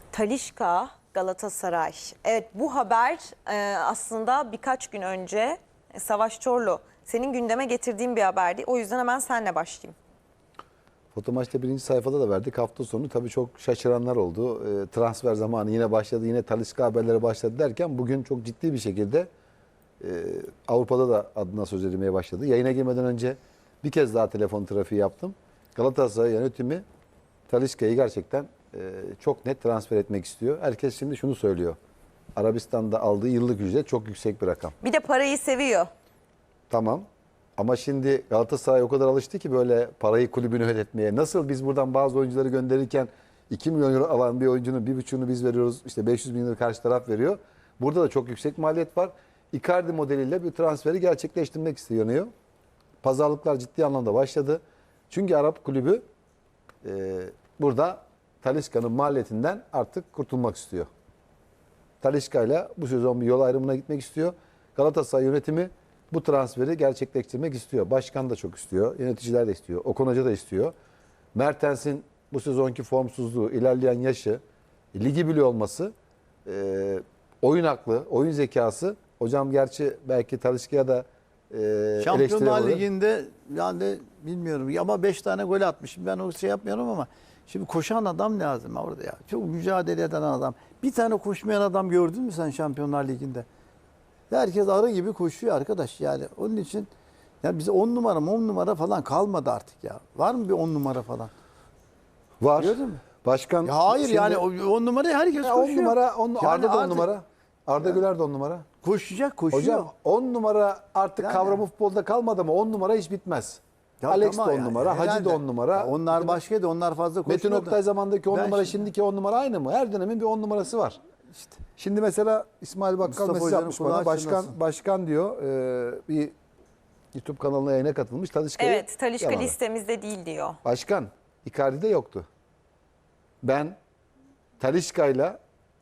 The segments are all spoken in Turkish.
Talisca, Galatasaray. Evet, bu haber aslında birkaç gün önce Savaş Çorlu senin gündeme getirdiğin bir haberdi. O yüzden hemen senle başlayayım. Fotomaç'ta birinci sayfada da verdik. Hafta sonu tabii çok şaşıranlar oldu. Transfer zamanı yine başladı. Yine Talisca haberleri başladı derken bugün çok ciddi bir şekilde Avrupa'da da adına söz edilmeye başladı. Yayına girmeden önce bir kez daha telefon trafiği yaptım. Galatasaray yönetimi Talisca'yı gerçekten çok net transfer etmek istiyor. Herkes şimdi şunu söylüyor. Arabistan'da aldığı yıllık ücret çok yüksek bir rakam. Bir de parayı seviyor. Tamam. Ama şimdi Galatasaray o kadar alıştı ki böyle parayı kulübünü ödetmeye. Nasıl biz buradan bazı oyuncuları gönderirken 2 milyon euro alan bir oyuncunun 1,5'unu biz veriyoruz. İşte 500 bin lira karşı taraf veriyor. Burada da çok yüksek maliyet var. Icardi modeliyle bir transferi gerçekleştirmek isteniyor. Pazarlıklar ciddi anlamda başladı. Çünkü Arap kulübü burada Talisca'nın maliyetinden artık kurtulmak istiyor. Talisca ile bu sezon bir yol ayrımına gitmek istiyor. Galatasaray yönetimi bu transferi gerçekleştirmek istiyor. Başkan da çok istiyor. Yöneticiler de istiyor. Okan Hoca da istiyor. Mertens'in bu sezonki formsuzluğu, ilerleyen yaşı, ligi biliyor olması, oyun aklı, oyun zekası. Hocam gerçi belki Talisca'ya da Şampiyonlar Ligi'nde yani bilmiyorum ama 5 tane gol atmışım. Ben o şey yapmıyorum ama şimdi koşan adam lazım orada ya. Çok mücadele eden adam. Bir tane koşmayan adam gördün mü sen Şampiyonlar Ligi'nde? Herkes arı gibi koşuyor arkadaş yani. Onun için ya bize 10 numara falan kalmadı artık ya. Var mı bir 10 numara falan? Var. Gördün mü? Başkan Ya hayır şimdi, yani 10 numarayı herkes ya koşuyor. 10 numara, Yani Arda da 10 artık numara. Arda Güler de 10 numara. koşuyor. Hocam 10 numara artık Yani. kavramı futbolda kalmadı ama 10 numara hiç bitmez. Ya Alex tamam de 10 yani, numara, Hacı herhalde. da 10 numara. Ya onlar başkaydı, onlar fazla koşuyordu. Metin Oktay zamandaki 10 Ben numara, şimdi- şimdiki 10 numara aynı mı? Her dönemin bir 10 numarası var. İşte. Şimdi mesela İsmail Bakkal Mustafa mesaj Hoca'nın yapmış kulağı bana. çınlasın. Başkan diyor bir YouTube kanalına yayına katılmış. Talisca'yı Evet, Talisca yaladı. listemizde değil diyor. Başkan, Icardi'de yoktu. Ben Talisca'yla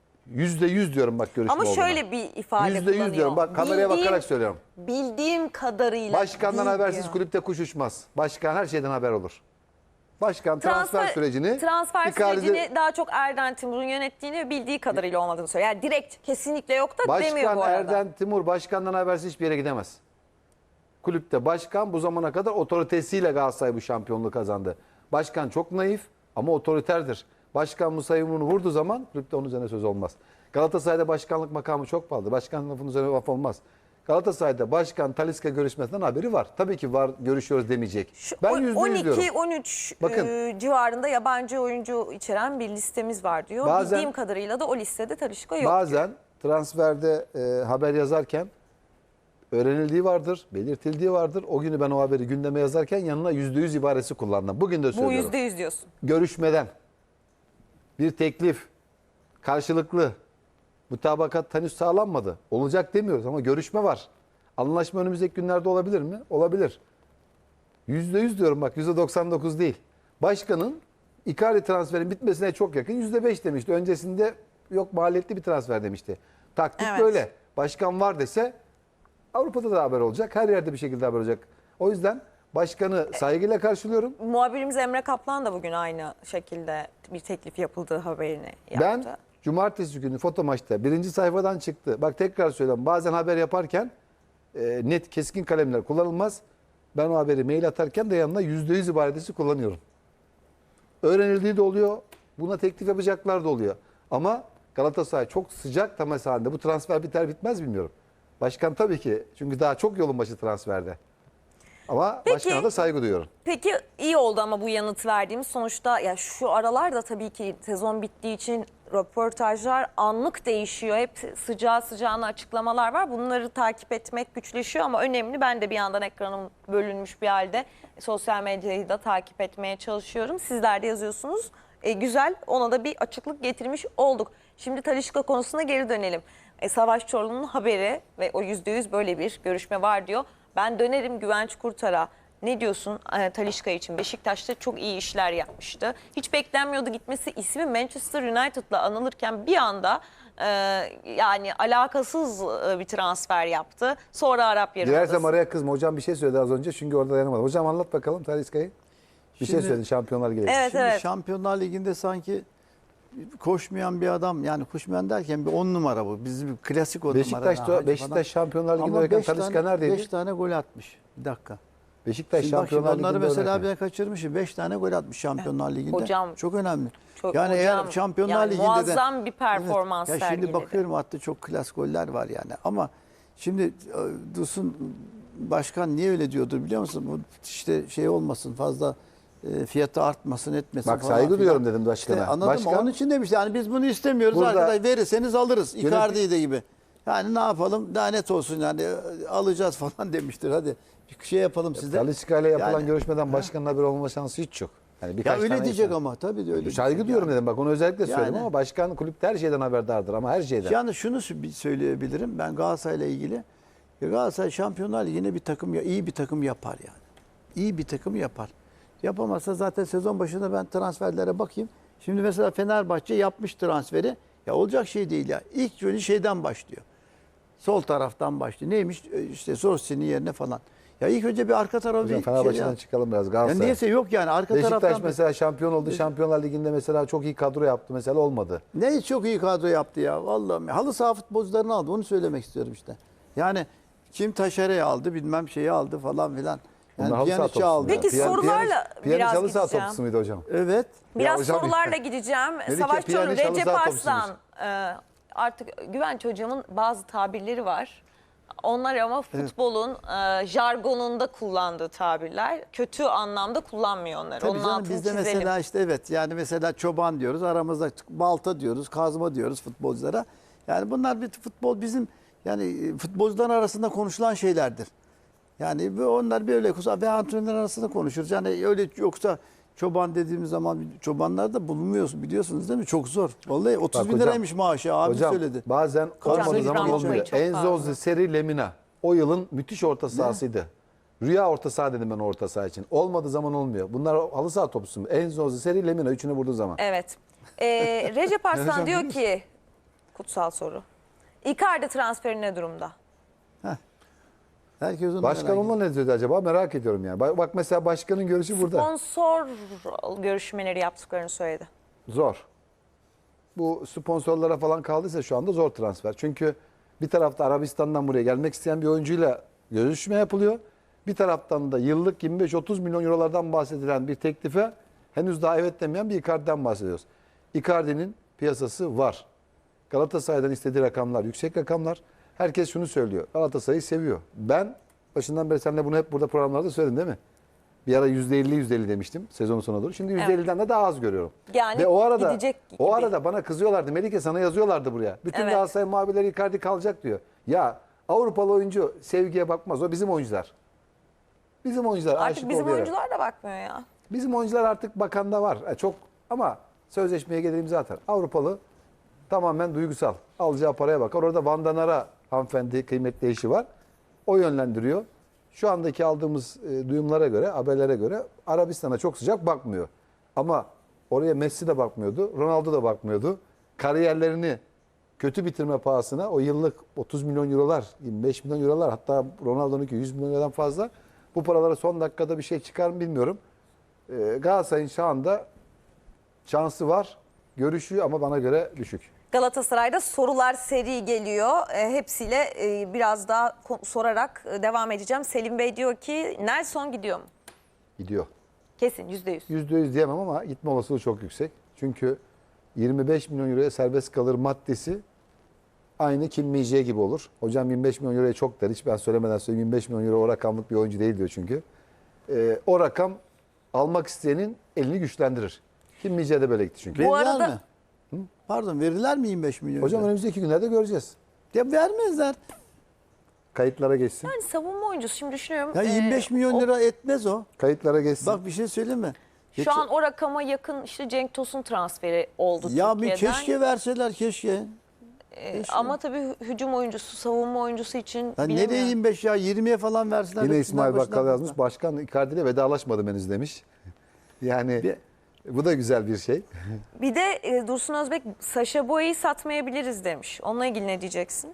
%100 diyorum bak görüşme Ama olduğuna. şöyle bir ifade %100 kullanıyor. diyorum. Bak kameraya bakarak söylüyorum. Bildiğim kadarıyla Başkandan değil habersiz diyor. kulüpte kuş uçmaz. Başkan her şeyden haber olur. Başkan transfer sürecini sürecini daha çok Erden Timur'un yönettiğini ve bildiği kadarıyla olmadığını söylüyor. Yani direkt kesinlikle yok da demiyor Başkan bu arada. Erden Timur başkandan habersiz hiçbir yere gidemez. Kulüpte başkan bu zamana kadar otoritesiyle Galatasaray bu şampiyonluğu kazandı. Başkan çok naif ama otoriterdir. Başkan Musa yumruğunu vurduğu zaman kulüpte onun üzerine söz olmaz. Galatasaray'da başkanlık makamı çok pahalı. Başkan lafının üzerine laf olmaz. Galatasaray'da başkan Talisca görüşmesinden haberi var. Tabii ki var, görüşüyoruz demeyecek. Ben %100 diyorum. 12-13 Bakın. civarında yabancı oyuncu içeren bir listemiz var diyor. Bazen- Bildiğim kadarıyla da o listede Talisca yok. Bazen transferde haber yazarken öğrenildiği vardır, belirtildiği vardır. O günü ben o haberi gündeme yazarken yanına %100 ibaresi kullandım. Bugün de Bu söylüyorum. %100 diyorsun. Görüşmeden bir teklif karşılıklı mutabakat henüz sağlanmadı. Olacak demiyoruz ama görüşme var. Anlaşma önümüzdeki günlerde olabilir mi? Olabilir. %100 diyorum bak, %99 değil. Başkanın Icardi transferin bitmesine çok yakın %5 demişti. Öncesinde yok maliyetli bir transfer demişti. Taktik Evet. böyle. Başkan var dese Avrupa'da da haber olacak. Her yerde bir şekilde haber olacak. O yüzden başkanı saygıyla karşılıyorum. Muhabirimiz Emre Kaplan da bugün aynı şekilde bir teklif yapıldığı haberini yaptı. Ben cumartesi günü Fotomaç'ta birinci sayfadan çıktı. Bak tekrar söylüyorum. Bazen haber yaparken net keskin kalemler kullanılmaz. Ben o haberi mail atarken de yanına %100 ibaresi kullanıyorum. Öğrenildiği de oluyor. Buna teklif yapacaklar da oluyor. Ama Galatasaray çok sıcak temas halinde. Bu transfer biter bitmez bilmiyorum. Başkan tabii ki. Çünkü daha çok yolun başı transferde. Ama Peki. başkana da saygı duyuyorum. Peki iyi oldu ama bu yanıt verdiğimiz sonuçta ya şu aralarda tabii ki sezon bittiği için röportajlar anlık değişiyor. Hep sıcağı sıcağına açıklamalar var. Bunları takip etmek güçleşiyor ama önemli. Ben de bir yandan ekranım bölünmüş bir halde sosyal medyayı da takip etmeye çalışıyorum. Sizler de yazıyorsunuz. Güzel, ona da bir açıklık getirmiş olduk. Şimdi Talisca konusuna geri dönelim. Savaş Çorlu'nun haberi ve o %100 böyle bir görüşme var diyor. Ben dönerim Güvenç Kurtar'a. Ne diyorsun Talisca için? Beşiktaş'ta çok iyi işler yapmıştı. Hiç beklenmiyordu gitmesi. İsmi Manchester United'la anılırken bir anda yani alakasız bir transfer yaptı. Sonra Arap Dilersem Yarımadası. araya kızma. Hocam bir şey söyledi az önce çünkü orada dayanamadım. Hocam anlat bakalım Talisca'yı. Bir şey Şimdi- söyledi Şampiyonlar Ligi. Evet, Şimdi evet. Şampiyonlar Ligi'nde sanki koşmayan bir adam, yani koşmayan derken bir 10 numara bu. Bizim klasik 10 numara. Beşiktaş Şampiyonlar Ligi'nde oynarken Talisca neredeydi? 5 tane gol atmış. Bir dakika. Beşiktaş Şimdi bak, Şampiyonlar onları Ligi'nde mesela oynarken. ben kaçırmışım. 5 tane gol atmış Şampiyonlar Ligi'nde. Hocam, çok önemli. Çok, yani hocam, eğer Şampiyonlar yani Ligi'nde de muazzam bir performans ya sergiledi. şimdi bakıyorum, hatta çok klas goller var yani. Ama şimdi Dursun Başkan niye öyle diyordur biliyor musun? Bu işte şey olmasın, fazla fiyatı artmasın, etmesin Bak, falan saygı filan. duyuyorum dedim başkana. İşte anladın mı? Başkan- Onun için demiş yani biz bunu istemiyoruz Burada- arkadaş, verirseniz alırız. Yönetim- Icardi'yi de gibi. Yani ne yapalım, daha net olsun yani, alacağız falan demiştir. Hadi bir şey yapalım size. Talisca ile yapılan Yani- görüşmeden başkanın haberi olma şansı hiç yok. Yani Ya birkaç öyle tane diyecek insan. ama tabii de öyle. Saygı diyecek duyuyorum yani. dedim, bak onu özellikle söyledim Yani- ama başkan kulüpte her şeyden haberdardır, ama her şeyden. Yalnız şunu söyleyebilirim ben Galatasaray'la ilgili. Ya Galatasaray Şampiyonlar Ligi'ne bir takım, iyi bir takım yapar yani. İyi bir takım yapar. Yapamazsa zaten sezon başında ben transferlere bakayım. Şimdi mesela Fenerbahçe yapmış transferi. Ya olacak şey değil ya. İlk önce şeyden başlıyor. Sol taraftan başlıyor. Neymiş? İşte Sorsi'nin yerine falan. Ya ilk önce bir arka tarafa Hocam bir Fenerbahçe'den şey. çıkalım biraz, Ya Galatasaray. niyeyse yok yani arka Beşiktaş taraftan. mesela şampiyon oldu. Şampiyonlar Ligi'nde mesela çok iyi kadro yaptı. Mesela olmadı. Ne çok iyi kadro yaptı ya vallahi. Halı saha futbolcularını aldı. Onu söylemek istiyorum işte. Yani kim Taşere'yi aldı, bilmem şeyi aldı falan filan. Yani Bunlar halı saha Pjanic'i topçusu aldı. Peki sorularla biraz halı saha gideceğim. topçusu muydu hocam? Evet. Biraz hocam- sorularla gideceğim. Melike Savaş Çoruh, Piyaniç halı Recep saha Arslan. Artık Güvenç hocamın bazı tabirleri var. Onlar ama futbolun jargonunda kullandığı tabirler. Kötü anlamda kullanmıyor onları. Tabii Onun canım, altını bizde çizelim. mesela işte evet yani mesela çoban diyoruz, aramızda balta diyoruz, kazma diyoruz futbolculara. Yani bunlar bir futbol bizim yani futbolcuların arasında konuşulan şeylerdir. Yani onlar böyle ve antrenörler arasında konuşuruz. Yani öyle yoksa çoban dediğimiz zaman çobanlar da bulunmuyorsun biliyorsunuz değil mi? Çok zor. Vallahi 30 bin hocam, liraymış maaşı abi Hocam söyledi. bazen olmadığı İbrahim zaman Hoca'yı olmuyor. çok Enzo pardon. Seri Lemina o yılın müthiş orta sahasıydı. Rüya orta saha dedim ben orta saha için. Olmadığı zaman olmuyor. Bunlar halı saha topçusu mu? Enzo Seri Lemina üçünü vurduğu zaman. Evet. Recep Arslan diyor ki, kutsal soru. Icardi transferi ne durumda? Herkes onu Başkan merak onunla ne dedi acaba? Merak ediyorum yani. Bak mesela başkanın görüşü burada. Sponsor görüşmeleri yaptıklarını söyledi. Zor. Bu sponsorlara falan kaldıysa şu anda zor transfer. Çünkü bir tarafta Arabistan'dan buraya gelmek isteyen bir oyuncuyla görüşme yapılıyor. Bir taraftan da yıllık 25-30 milyon eurolardan bahsedilen bir teklife henüz daha evet demeyen bir Icardi'den bahsediyoruz. Icardi'nin piyasası var. Galatasaray'dan istediği rakamlar yüksek rakamlar. Herkes şunu söylüyor. Galatasaray'ı seviyor. Ben başından beri seninle bunu hep burada programlarda söyledim değil mi? Bir ara %50 demiştim sezonun sonuna doğru. Şimdi %50'den de daha az görüyorum. Yani Ve gidecek gibi. o arada bana kızıyorlardı. Melike sana yazıyorlardı buraya. Bütün Evet. Galatasaray muhabirleri Icardi kalacak diyor. Ya Avrupalı oyuncu sevgiye bakmaz. O bizim oyuncular. Bizim oyuncular Artık aşık bizim oluyor. oyuncular da bakmıyor ya. Bizim oyuncular artık bakanda var. Çok ama sözleşmeye gelelim zaten. Avrupalı tamamen duygusal. Alacağı paraya bakar. Orada Van Danara hanımefendi kıymetli eşi var. O yönlendiriyor. Şu andaki aldığımız duyumlara göre, haberlere göre Arabistan'a çok sıcak bakmıyor. Ama oraya Messi de bakmıyordu, Ronaldo da bakmıyordu. Kariyerlerini kötü bitirme pahasına o yıllık 30 milyon eurolar, 25 milyon eurolar, hatta Ronaldo'nunki 100 milyon eurodan fazla. Bu paralara son dakikada bir şey çıkar mı bilmiyorum. Galatasaray'ın şu anda şansı var, görüşüyor ama bana göre düşük. Galatasaray'da sorular seri geliyor. Hepsiyle biraz daha sorarak devam edeceğim. Selim Bey diyor ki Nelson gidiyor mu? Gidiyor. Kesin %100. %100 diyemem ama gitme olasılığı çok yüksek. Çünkü 25 milyon euroya serbest kalır maddesi aynı Kim Min-jae gibi olur. Hocam 25 milyon euroya çok der. Hiç ben söylemeden söyleyeyim, 25 milyon euro o rakamlık bir oyuncu değil diyor çünkü. O rakam almak isteyenin elini güçlendirir. Kim Min-jae de böyle gitti çünkü. Bu Verirler arada- mi? Pardon, verirler mi 25 milyon? Hocam lira? önümüzdeki günlerde göreceğiz. Ya vermezler. Kayıtlara geçsin. Yani savunma oyuncusu şimdi düşünüyorum. Ya 25 milyon o- lira etmez o. Kayıtlara geçsin. Bak bir şey söyleyeyim mi? Şu an o rakama yakın işte Cenk Tosun transferi oldu Ya bir Türkiye'den. keşke verseler keşke. Ama tabii hücum oyuncusu, savunma oyuncusu için Ya bilemiyorum. nereye 25 ya 20'ye falan verseler. Yine de İsmail Fenerbahçe'den Bakkal yazmış. fazla. Başkan Icardi ile vedalaşmadım henüz demiş. Yani Bir- bu da güzel bir şey. Bir de Dursun Özbek Saşa Boya'yı satmayabiliriz demiş. Onunla ilgili ne diyeceksin?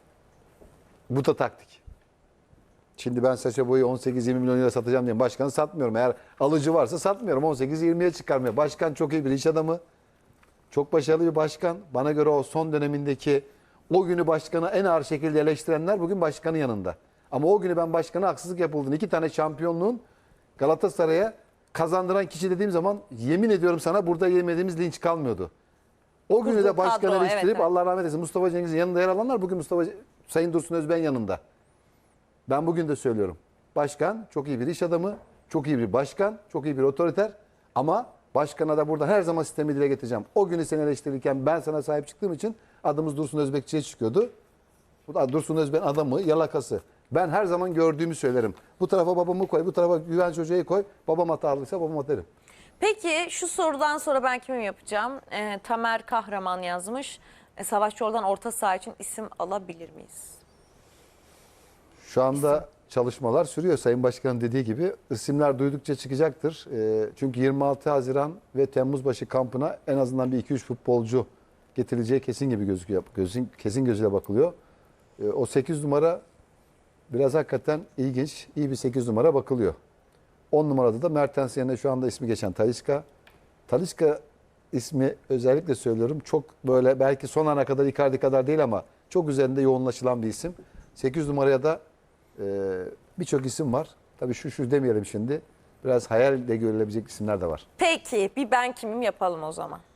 Bu da taktik. Şimdi ben Saşa Boy'u 18-20 milyon lira satacağım diye başkanı satmıyorum. Eğer alıcı varsa satmıyorum. 18-20'ye çıkarmıyor. Başkan çok iyi bir iş adamı. Çok başarılı bir başkan. Bana göre o son dönemindeki o günü başkanı en ağır şekilde eleştirenler bugün başkanın yanında. Ama o günü ben başkana haksızlık yapıldığını, 2 tane şampiyonluğun Galatasaray'a kazandıran kişi dediğim zaman yemin ediyorum sana burada yemediğimiz linç kalmıyordu. O günü Kurduğu de başkan kadro, eleştirip evet, evet. Allah rahmet eylesin Mustafa Cengiz'in yanında yer alanlar bugün Sayın Dursun Özben yanında. Ben bugün de söylüyorum. Başkan çok iyi bir iş adamı, çok iyi bir başkan, çok iyi bir otoriter ama başkana da burada her zaman sistemi dile getireceğim. O günü seni eleştirirken ben sana sahip çıktığım için adımız Dursun Özbekçi'ye çıkıyordu. Bu da Dursun Özben adamı, yalakası. Ben her zaman gördüğümü söylerim. Bu tarafa babamı koy, bu tarafa Güvenç Hoca'yı koy. Babam hatalıysa babama derim. Peki şu sorudan sonra ben kimim yapacağım? Tamer Kahraman yazmış. Savaş Çorlu'dan orta saha için isim alabilir miyiz? Şu anda çalışmalar sürüyor. Sayın Başkan'ın dediği gibi isimler duydukça çıkacaktır. Çünkü 26 Haziran ve Temmuz başı kampına en azından bir 2-3 futbolcu getirileceği kesin gibi gözüküyor. Kesin gözüyle bakılıyor. O 8 numara biraz hakikaten ilginç. İyi bir 8 numara bakılıyor. 10 numarada da Mertens yerine şu anda ismi geçen Talisca. Talisca ismi özellikle söylüyorum. Çok böyle belki son ana kadar Icardi kadar değil ama çok üzerinde yoğunlaşılan bir isim. 8 numaraya da birçok isim var. Tabii şu demeyelim şimdi. Biraz hayalle görülebilecek isimler de var. Peki bir ben kimim yapalım o zaman.